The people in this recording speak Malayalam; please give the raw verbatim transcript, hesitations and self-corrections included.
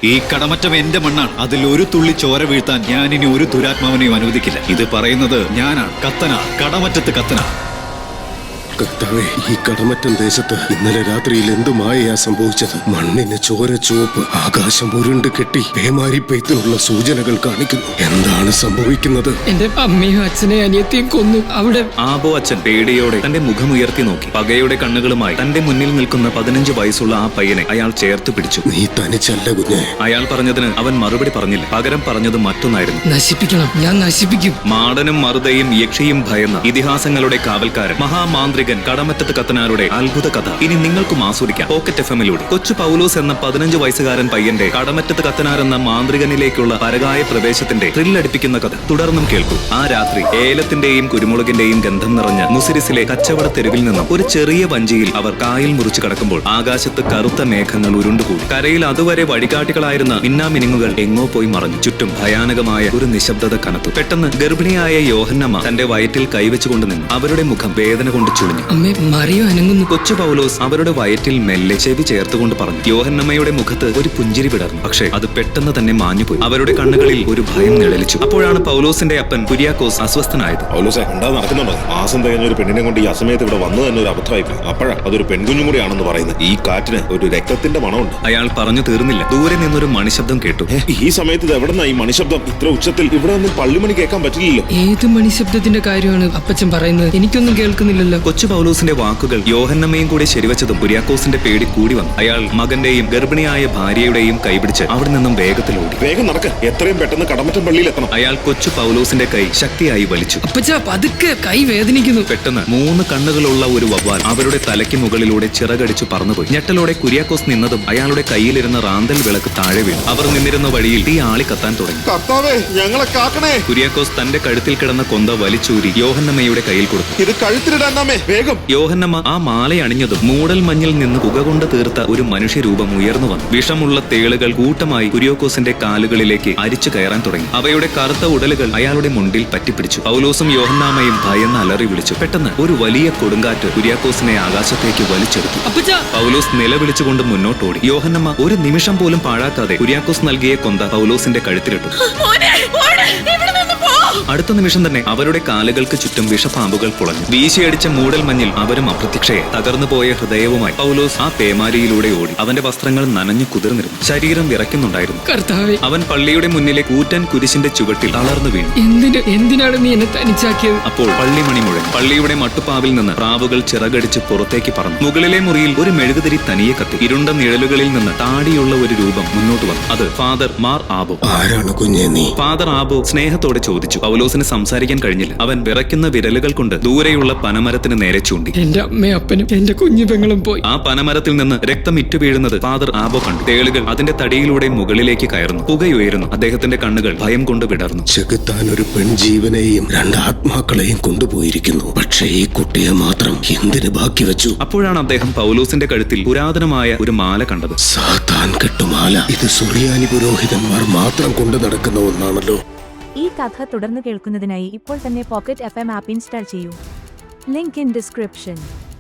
ഈ കടമറ്റം എന്റെ മണ്ണാണ്. അതിൽ ഒരു തുള്ളി ചോര വീഴ്ത്താൻ ഞാൻ ഇനി ഒരു ദുരാത്മാവിനെയും അനുവദിക്കില്ല. ഇത് പറയുന്നത് ഞാനാണ്, കത്തന, കടമറ്റത്ത് കത്തന. കർത്താവേ, ഈ കടമറ്റം ദേശത്ത് ഇന്നലെ രാത്രിയിൽ എന്തു മായയാ സംഭവിച്ചത്? മണ്ണിന് ചോര ചുവപ്പ്, ആകാശം ഉരുണ്ട് കെട്ടി പേമാരി പെയ്ത്തിനുള്ള സൂചനകൾ കാണിക്കുന്നു. എന്താണ് സംഭവിക്കുന്നത്? എന്റെ അമ്മയും അച്ഛനെയും അനിയത്തെയും കൊന്നു. അവിടെ ആബോ അച്ഛൻ പേടിയോടെ തന്റെ മുഖമുയർത്തി നോക്കി. പകയുടെ കണ്ണുകളുമായി തന്റെ മുന്നിൽ നിൽക്കുന്ന പതിനഞ്ച് വയസ്സുള്ള ആ പയ്യനെ അയാൾ ചേർത്ത് പിടിച്ചു. നീ തനിച്ചല്ല കുഞ്ഞെ. അയാൾ പറഞ്ഞതിന് അവൻ മറുപടി പറഞ്ഞില്ല. പകരം പറഞ്ഞത് മറ്റൊന്നായിരുന്നു. നശിപ്പിക്കണം, ഞാൻ നശിപ്പിക്കും. മാടനും മറുതയും യക്ഷിയും ഭയന്ന ഇതിഹാസങ്ങളുടെ കാവൽക്കാരൻ മഹാമാന്ത്രികൻ കടമറ്റത്ത് കത്തനാരുടെ അത്ഭുത കഥ ഇനി നിങ്ങൾക്കും ആസ്വദിക്കാം പോക്കറ്റ് എഫ് എമ്മിലൂടെ. കൊച്ചു പൗലോസ് എന്ന പതിനഞ്ച് വയസ്സുകാരൻ പയ്യന്റെ കടമറ്റത്ത് കത്തനാർ എന്ന മാന്ത്രികനിലേക്കുള്ള പരകായ പ്രവേശത്തിന്റെ ത്രില്ലടിപ്പിക്കുന്ന കഥ തുടർന്നും കേൾക്കൂ. ആ രാത്രി ഏലത്തിന്റെയും കുരുമുളകിന്റെയും ഗന്ധം നിറഞ്ഞ മുസിരിസിലെ കച്ചവട തെരുവിൽ നിന്നും ഒരു ചെറിയ വഞ്ചിയിൽ അവർ കായൽ മുറിച്ചു കടക്കുമ്പോൾ ആകാശത്ത് കറുത്ത മേഘങ്ങൾ ഉരുണ്ടുകൂടി. കരയിൽ അതുവരെ വഴികാട്ടികളായിരുന്ന മിന്നാമിനുങ്ങുകൾ എങ്ങോ പോയി മറഞ്ഞു. ചുറ്റും ഭയാനകമായ ഒരു നിശബ്ദത കനത്തു. പെട്ടെന്ന് ഗർഭിണിയായ യോഹന്നമ്മ തന്റെ വയറ്റിൽ കൈവച്ചുകൊണ്ട് നിന്നു. അവരുടെ മുഖം വേദന കൊണ്ട് ചുളിഞ്ഞു. അമ്മേ, മറിയോ അനങ്ങുന്നു. കൊച്ചു പൗലോസ് അവരുടെ വയറ്റിൽ മെല്ലെ ചെവി ചേർത്തുകൊണ്ട് പറഞ്ഞു. യോഹന്നമ്മയുടെ മുഖത്ത് ഒരു പുഞ്ചിരി വിടർന്നു. പക്ഷേ അത് പെട്ടെന്ന് തന്നെ മാഞ്ഞുപോയി. അവരുടെ കണ്ണുകളിൽ ഒരു ഭയം നിഴലിച്ചു. അപ്പോഴാണ് പൗലോസിന്റെ അപ്പൻ കുര്യാക്കോസ് അസ്വസ്ഥനായത്. പൗലോസേ, എന്താ നടക്കുന്നുണ്ടോ? മാസം തികഞ്ഞ ഒരു പെണ്ണിനെ കൊണ്ട് ഈ അസമയത്ത് ഇവിടെ വന്നു തന്നെ ഒരു അബദ്ധമായി. അപ്പോഴാ അതൊരു പെൺകുഞ്ഞും കൂടിയാണെന്ന് പറയുന്നത്. ഈ കാറ്റിന് ഒരു രക്തത്തിന്റെ മണമുണ്ട്. അയാൾ പറഞ്ഞു തീർന്നില്ല. ദൂരെ നിന്നൊരു മണിശബ്ദം കേട്ടു. ഈ സമയത്ത് ഇത് എവിടെന്നാ ഈ മണിശബ്ദം? ഇത്ര ഉച്ചത്തിൽ ഇവിടെ ഒന്നും പള്ളിമണി കേൾക്കാൻ പറ്റില്ലല്ലോ. ഏത് മണിശബ്ദത്തിന്റെ കാര്യമാണ് അപ്പച്ചൻ പറയുന്നത്? എനിക്കൊന്നും കേൾക്കുന്നില്ലല്ലോ. കൊച്ചു പൗലോസിന്റെ വാക്കുകൾ യോഹന്നമ്മയും കൂടി ശരിവച്ചതും കുര്യാക്കോസിന്റെ പേടി കൂടി വന്നു. അയാൾ മകന്റെയും ഗർഭിണിയായ ഭാര്യയുടെയും കൈപിടിച്ച് അവിടെ നിന്നും വേഗത്തിൽ ഓടി. വേഗം നടക്ക, എത്രയും പെട്ടെന്ന് കടമറ്റം പള്ളിയിൽ എത്തണം. അയാൾ കൊച്ചു പൗലോസിന്റെ കൈ ശക്തിയായി വലിച്ചു. അപ്പച്ച, പതുക്കെ, കൈ വേദനിക്കുന്നു. പെട്ടെന്ന് മൂന്ന് കണ്ണുകളുള്ള ഒരു വവ്വാൽ അവരുടെ തലയ്ക്ക് മുകളിലൂടെ ചിറകടിച്ചു പറന്നുപോയി. ഞെട്ടലോടെ കുര്യാക്കോസ് നിന്നതും അയാളുടെ കയ്യിലിരുന്ന റാന്തൽ വിളക്ക് താഴെ വീണു. അവർ നിന്നിരുന്ന വഴിയിൽ തീ ആളി കത്താൻ തുടങ്ങി. കർത്താവേ, ഞങ്ങളെ കാക്കണേ! കുര്യാക്കോസ് തന്റെ കഴുത്തിൽ കിടന്ന കൊന്ത വലിച്ചൂരി യോഹന്നമ്മയുടെ കയ്യിൽ കൊടുത്തു. ഇത് കഴുത്തിലിടാനാമേ, വേഗം! യോഹന്നമ്മ ആ മാല അണിഞ്ഞതും മൂടൽ മഞ്ഞിൽ നിന്ന് പുക കൊണ്ട് തീർത്ത ഒരു മനുഷ്യരൂപം ഉയർന്നു വന്നു. വിഷമുള്ള തേളുകൾ കൂട്ടമായി കുര്യാക്കോസിന്റെ കാലുകളിലേക്ക് അരിച്ചു കയറാൻ തുടങ്ങി. അവയുടെ കറുത്ത ഉടലുകൾ അയാളുടെ മുണ്ടിൽ പറ്റിപ്പിടിച്ചു. പൗലോസും യോഹന്നാമയും ഭയന്ന് അലറി വിളിച്ചു. പെട്ടെന്ന് ഒരു വലിയ കൊടുങ്കാറ്റ് കുര്യാക്കോസിനെ ആകാശത്തേക്ക് വലിച്ചെടുത്തു. പൗലോസ് നിലവിളിച്ചുകൊണ്ട് മുന്നോട്ടോടി. യോഹന്നമ്മ ഒരു നിമിഷം പോലും പാഴാക്കാതെ കുര്യാക്കോസ് നൽകിയ കൊന്ത പൗലോസിന്റെ കഴുത്തിലിട്ടു. അടുത്ത നിമിഷം തന്നെ അവരുടെ കാലുകൾക്ക് ചുറ്റും വിഷപ്പാമ്പുകൾ പുളഞ്ഞു. വീശിയടിച്ച മൂടൽ മഞ്ഞിൽ അവരും അപ്രത്യക്ഷയെ. തകർന്നു പോയ ഹൃദയവുമായി പൗലോസ് ആ പേമാരിയിലൂടെ ഓടി. അവന്റെ വസ്ത്രങ്ങൾ നനഞ്ഞു കുതിർന്നിരുന്നു. ശരീരം വിറയ്ക്കുന്നുണ്ടായിരുന്നു. കർത്താവേ, അവൻ പള്ളിയുടെ മുന്നിലെ കൂറ്റൻ കുരിശിന്റെ ചുവട്ടിൽ തളർന്നു വീണു. എന്തിന് എന്തിനാണ് നീ എന്നെ തനിച്ചാക്കിയത്? അപ്പോൾ പള്ളിമണി മുഴങ്ങി. പള്ളിയുടെ മട്ടുപ്പാവിൽ നിന്ന് പ്രാവുകൾ ചിറകടിച്ച് പുറത്തേക്ക് പറന്നു. മുകളിലെ മുറിയിൽ ഒരു മെഴുകുതിരി തനിയെ കത്തി. ഇരുണ്ട നിഴലുകളിൽ നിന്ന് താടിയുള്ള ഒരു രൂപം മുന്നോട്ട് വന്നു. അത് ഫാദർ മാർ ആബോ. ആരാണ് കുഞ്ഞെ നീ? ഫാദർ ആബോ സ്നേഹത്തോടെ ചോദിച്ചു. പൗലോസിന് സംസാരിക്കാൻ കഴിഞ്ഞില്ല. അവൻ വിറയ്ക്കുന്ന വിരലുകൾ കൊണ്ട് ദൂരെയുള്ള പനമരത്തിന് നേരെ ചൂണ്ടി. എന്റെ അമ്മയും അപ്പനും എന്റെ കുഞ്ഞു പെങ്ങളും പോയി. ആ പനമരത്തിൽ നിന്ന് രക്തം ഇറ്റു വീഴുന്നത് ഫാദർ ആബോ കണ്ടു. തേളുകൾ അതിന്റെ തടിയിലൂടെ മുകളിലേക്ക് കയറുന്നു. പുകയുയരുന്നു. അദ്ദേഹത്തിന്റെ കണ്ണുകൾ ഭയം കൊണ്ട് വിടർന്നു. ചെകുത്താൻ ഒരു പെൺജീവനെയും രണ്ട് ആത്മാക്കളെയും കൊണ്ടുപോയിരിക്കുന്നു. പക്ഷേ ഈ കുട്ടിയെ മാത്രം എന്തിന് ബാക്കി വെച്ചു? അപ്പോഴാണ് അദ്ദേഹം പൗലോസിന്റെ കഴുത്തിൽ പുരാതനമായ ഒരു മാല കണ്ടത്. സാത്താൻ കെട്ടുമാല. ഇത് സുറിയാനി പുരോഹിതന്മാർ മാത്രം കൊണ്ടു നടക്കുന്ന ഒന്നാണല്ലോ. ഈ കഥ തുടർന്ന് കേൾക്കുന്നതിനായി ഇപ്പോൾ തന്നെ pocket F M app install ചെയ്യൂ. Link in description.